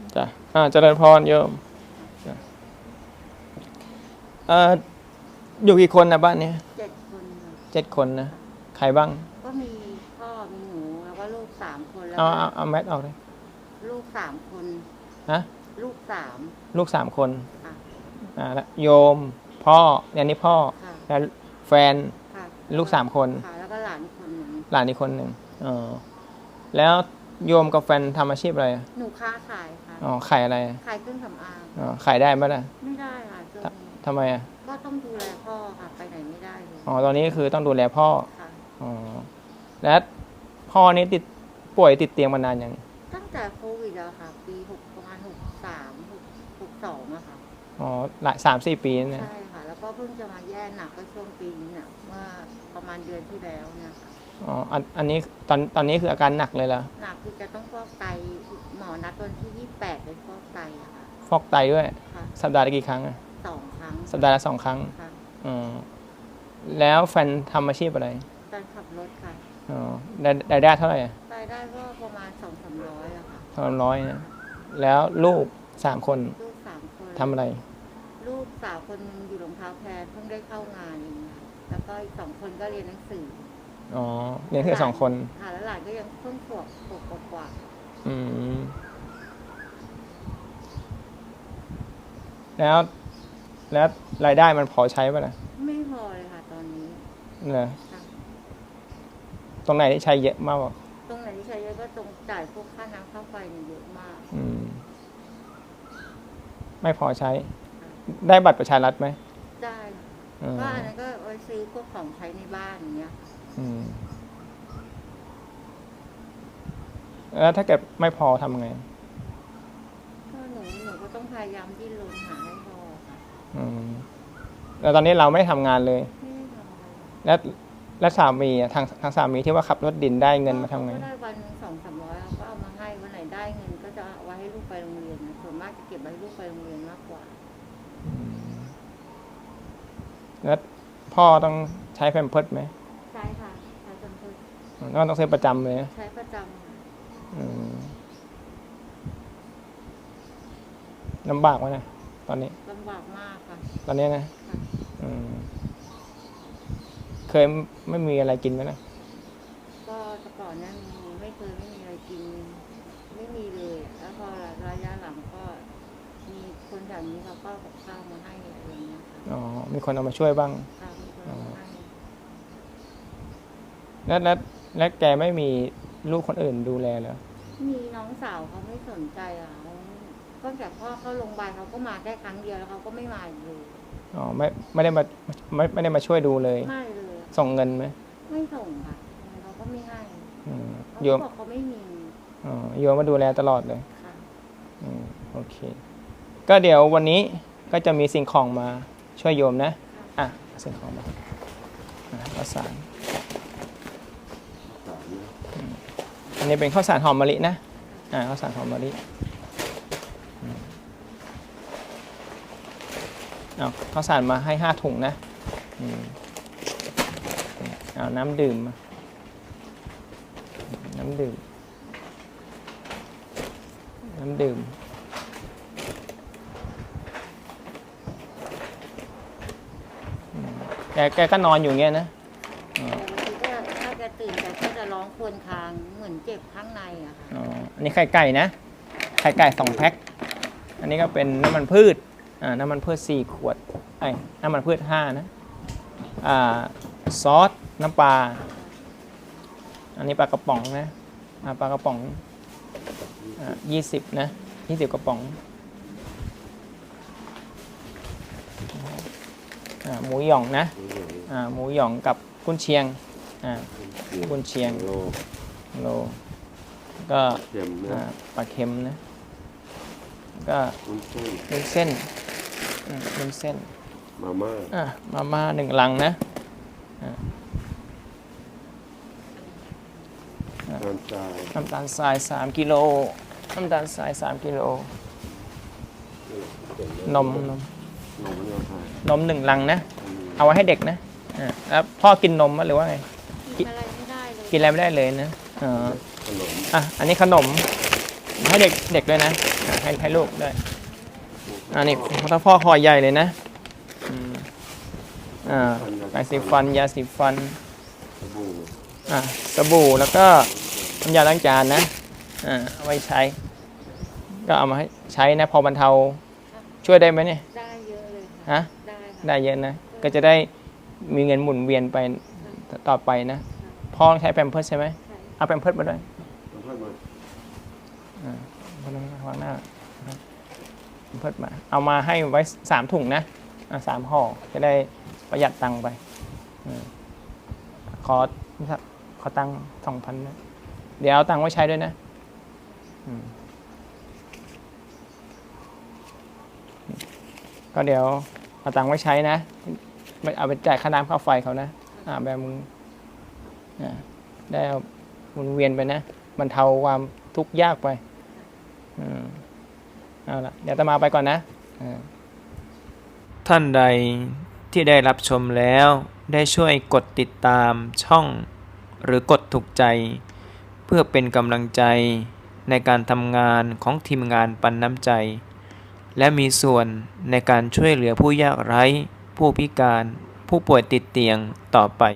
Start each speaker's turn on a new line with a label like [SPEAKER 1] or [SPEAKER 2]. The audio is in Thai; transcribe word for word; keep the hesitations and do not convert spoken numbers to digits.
[SPEAKER 1] จ้ะอ่าเจริญพรโยมเอ่ออยู่กี่คนนะบ้านนี้
[SPEAKER 2] เจ็ดคนค่ะ
[SPEAKER 1] เจ็ดคนนะใครบ้าง
[SPEAKER 2] ก็มีพ่อมีหนูแล้วก็ลูกสามคนแล้ว
[SPEAKER 1] เอา
[SPEAKER 2] ก็
[SPEAKER 1] เอาเอาแมทออกเลย
[SPEAKER 2] ลูกสามคน
[SPEAKER 1] ฮะ
[SPEAKER 2] ลูกสาม
[SPEAKER 1] ลูกสามคน
[SPEAKER 2] ค่ะ
[SPEAKER 1] อ่าแล้วโยมพ่อเนี่ยนี่พ่อ
[SPEAKER 2] ค่ะ
[SPEAKER 1] แล้วแฟน
[SPEAKER 2] ค่ะ
[SPEAKER 1] ลูกสามคน
[SPEAKER 2] ค่ะแล้วก็หลานอีกคนหนึ่ง
[SPEAKER 1] หลานอีกคนหนึ่งอ๋อแล้วโยมกับแฟนทำอาชีพอะไรอ่ะ
[SPEAKER 2] หนูค้าขายค่ะ
[SPEAKER 1] อ๋อขายอะไรอ่ะ
[SPEAKER 2] ขายเครื่องสำอาง
[SPEAKER 1] อ๋อขายได้ไหมล่ะ
[SPEAKER 2] ไม่ได้ค่ะช่วงนี้
[SPEAKER 1] ทำไมอ่ะ
[SPEAKER 2] ก็ต้องดูแลพ่อค่ะไปไหนไม่ได้เลย
[SPEAKER 1] อ๋อตอนนี้คือต้องดูแลพ่อ
[SPEAKER 2] ค่ะ
[SPEAKER 1] อ๋อแล้วพ่อนี่ติดป่วยติดเตียงมานานยัง
[SPEAKER 2] ตั้งแต่โควิดแล้วค่ะปีหกประมาณหกสามหกหกสองอะค่ะ
[SPEAKER 1] อ๋อหลายสามสี่ปีเนี่ย
[SPEAKER 2] ใช่ค่ะแล้วก็เพิ่งจะมาแย่หนักก็ช่วงปีนี้เนี่ยเมื่อประมาณเดือนที่แล้วเนี่ยค่ะ
[SPEAKER 1] อ๋ออันอันนี้ตอนตอนนี้คืออาการหนักเลยเหรอ
[SPEAKER 2] หนักคือจะต้องฟอกไตหมอนัดวันที่ยี่สิบแปดเลยฟอกไตอะค่ะ
[SPEAKER 1] ฟอกไตด้วย
[SPEAKER 2] ค่ะ
[SPEAKER 1] สัปดาห์ละกี่ครั้งอ่ะ
[SPEAKER 2] สองครั้ง
[SPEAKER 1] สัปดาห์ละสองครั้ง
[SPEAKER 2] ค่ะ
[SPEAKER 1] อ๋อแล้วแฟนทำอาชีพอะไร
[SPEAKER 2] การขับรถค่ะ
[SPEAKER 1] อ๋อได้ได้ได้เท่าไหร่อ่ะ
[SPEAKER 2] รายได้ก็ประมาณสองสามร้อยอะค่ะ
[SPEAKER 1] สองร้อยนะแล้วลูกสามคน
[SPEAKER 2] ลูกสามคน
[SPEAKER 1] ทำอะไร
[SPEAKER 2] ลูกสาวคนหนึงอยู่รองเท้าแพรเพิ่งได้เข้างานเองค่ะแล้วก็อีกสองคนก็เรียนหนังสือ
[SPEAKER 1] อ๋อเรียนแค่สองคน
[SPEAKER 2] ค่ะแล้วหลานก็ยังเพิ่งขวบขวบกว่า
[SPEAKER 1] อืมแล้วแล้วรายได้มันพอใช้ป่ะล่ะ
[SPEAKER 2] ไม่พอเลยค่ะตอนนี้
[SPEAKER 1] เหรอ
[SPEAKER 2] ค่ะ
[SPEAKER 1] ตรงไหนที่ใช้เยอะมากกว่า
[SPEAKER 2] ตรงไหนที่ใช้เยอะก็ตรงจ่ายพวกค่าน้ำค่าไฟเนี่ยเยอะมาก
[SPEAKER 1] อืมไม่พอใช้ได้บัตรประชารัฐไหม
[SPEAKER 2] ได้
[SPEAKER 1] อืม
[SPEAKER 2] ก็อันนั้นก็ไว้ซื้อพวกของใช้ในบ้านอย่างเงี้ย
[SPEAKER 1] อืมแล้วถ้าเกิดไม่พอทำไง
[SPEAKER 2] ก็หนูหนูก็ต้องพยายามดิ้นรนหาให้พอค่ะ
[SPEAKER 1] อืมแล้วตอนนี้เราไม่ได้ทำงานเลย
[SPEAKER 2] ไม่ได้ทำอะไร
[SPEAKER 1] แล้วแล้วสามีอ่ะทางทางสามีที่ว่าขับรถดินได้เงินมาทำไง
[SPEAKER 2] ก็ได้วันหนึ่งสองสามร้อยก็เอามาให้วันไหนได้เงินก็จะเอาไว้ให้ลูกไปโรงเรียนนะส่วนมากจะเก็บไว้ให้ลูกไปโรงเรียนมากกว่า
[SPEAKER 1] อืมแล้วพ่อต้องใช้แพมเพิร์สไหม
[SPEAKER 2] ใช่ค่ะใช้จนเพิ่ม
[SPEAKER 1] แล้วต้องซื้อประจำเลยนะ
[SPEAKER 2] ใช้ประจำค่ะ
[SPEAKER 1] อืมลำบากไหมนะตอนนี้
[SPEAKER 2] ลำบากมากค่ะ
[SPEAKER 1] ตอนนี้นะ
[SPEAKER 2] ค่ะ
[SPEAKER 1] อืมเคยไม่มีอะไรกินไหมนะ
[SPEAKER 2] ก็แต่ก่อนเนี่ยมีไม่เคยไม่มีอะไรกินไม่มีเลยแล้วพอระยะหลังก็มีคนแถวนี้เขาก็กับข้าวมาให้อะไรอย่างเงี้ยค่ะ
[SPEAKER 1] อ๋อมีคนเอามาช่วยบ้าง
[SPEAKER 2] ค่ะมีคนเอามาให้
[SPEAKER 1] แล้วแล้วแล้วแกไม่มีลูกคนอื่นดูแลเหรอ
[SPEAKER 2] มีน้องสาวเขาไม่สนใจอ่ะเขาก็จากพ่อเข้าโรงพยาบาลเขาก็มาแค่ครั้งเดียวแล้วเขาก็ไม่มาอีกเลย
[SPEAKER 1] อ๋อไม่ไม่ได้มาไม่ไม่ได้มาช่วยดูเลย
[SPEAKER 2] ไม่เลย
[SPEAKER 1] ส่งเงินไหม
[SPEAKER 2] ไม่ส่งค่ะเขาก็ไม่ให้
[SPEAKER 1] อืม
[SPEAKER 2] เขา
[SPEAKER 1] โยม
[SPEAKER 2] บอกเขาไม่มี
[SPEAKER 1] อ๋อโยมมาดูแลตลอดเลย
[SPEAKER 2] ค่ะ
[SPEAKER 1] อืมโอเคก็เดี๋ยววันนี้ก็จะมีสิ่งของมาช่วยโยมนะอ่ะสิ่งของมาอ่ะข้าวสารอืมอันนี้เป็นข้าวสารหอมมะลินะอ่าข้าวสารหอมมะลิอืมเอาข้าวสารมาให้ห้าถุงนะอืมเอาน้ำดื่มมาน้ำดื่มน้ำดื่มแกแกก็นอนอยู่เงี้ยนะ
[SPEAKER 2] แต่บางทีก็ถ้าแกตื่นแกก็จะร้องครวญครางเหมือนเจ็บข้างในอะค่ะ
[SPEAKER 1] อ๋ออันนี้ไข่ไก่นะไข่ไก่สองแพ็คอันนี้ก็เป็นน้ำมันพืชอ่าน้ำมันพืชสี่ขวดไอ้น้ำมันพืชห้านะอ่าซอสน้ำปลาอันนี้ปลากระป๋องนะอ่าปลากระป๋องอ่ายี่สิบนะยี่สิบกระป๋องอ่าหมูหย่องนะอ่าหมูหย่องกับกุนเชียงอ่ากุนเชียงโลโลก็ปลาเค็มนะก็วุ้นเส้นวุ้นเส้น
[SPEAKER 3] มาม่า
[SPEAKER 1] อ่ะมาม่าหนึ่งลังนะน้ำตาลทรายสามกิโลน้ำตาลทรายสามกิโลนมนมนมหนึ่งลังนะเอาไว้ให้เด็กนะแล้วพ่อกินนมมั้ยหรือว่าไง
[SPEAKER 2] กินอะไรไม่ได้เลย
[SPEAKER 1] กินอะไรไม่ได้เลยนะอ๋ออ่ะอันนี้ขนมมาให้เด็กเด็กด้วยนะอ่ะให้ให้ลูกด้วยอันนี้ถ้าพ่อคอใหญ่เลยนะอืมอ่าแปรงสีฟันยาสีฟันอ่าสบู่แล้วก็น้ำยาล้างจานนะอ่าเอาไว้ใช้ ก็เอามาให้ใช้นะพอบรรเทาช่วยได้ไหมเนี่ย
[SPEAKER 2] ได้เยอะเลย
[SPEAKER 1] ฮะ
[SPEAKER 2] ค่ะได้ค่ะ
[SPEAKER 1] ได้เยอะนะ ก็จะได้มีเงินหมุนเวียนไปต่อไปนะพ่อต้องใช้แพมเพิร์สใช่ไหม
[SPEAKER 2] ใช่
[SPEAKER 1] เอาแพมเพิร์สมาด้วย
[SPEAKER 3] ผมเพิ่มมา
[SPEAKER 1] อ่าพ่อต้องวางหน้าแพมเพิร์สมาเอามาให้ไว้สามถุงนะอ่าสามห่อจะได้ประหยัดตังค์ไปอืมขอขอตังค์สองพันนะเดี๋ยวเอาตังค์ไว้ใช้ด้วยนะอืมก็เดี๋ยวเอาตังค์ไว้ใช้นะไม่เอาไปจ่ายค่าน้ำค่าไฟเขานะอ่าแบบมึงอ่าได้เอาหมุนเวียนไปนะบรรเทาความทุกข์ยากไปอืมเอาละเดี๋ยวอาตมาไปก่อนนะอ่าท่านใดที่ได้รับชมแล้วได้ช่วยกดติดตามช่องหรือกดถูกใจ เพื่อเป็นกำลังใจในการทำงานของทีมงานปันน้ำใจ และมีส่วนในการช่วยเหลือผู้ยากไร้ ผู้พิการ ผู้ป่วยติดเตียงต่อไป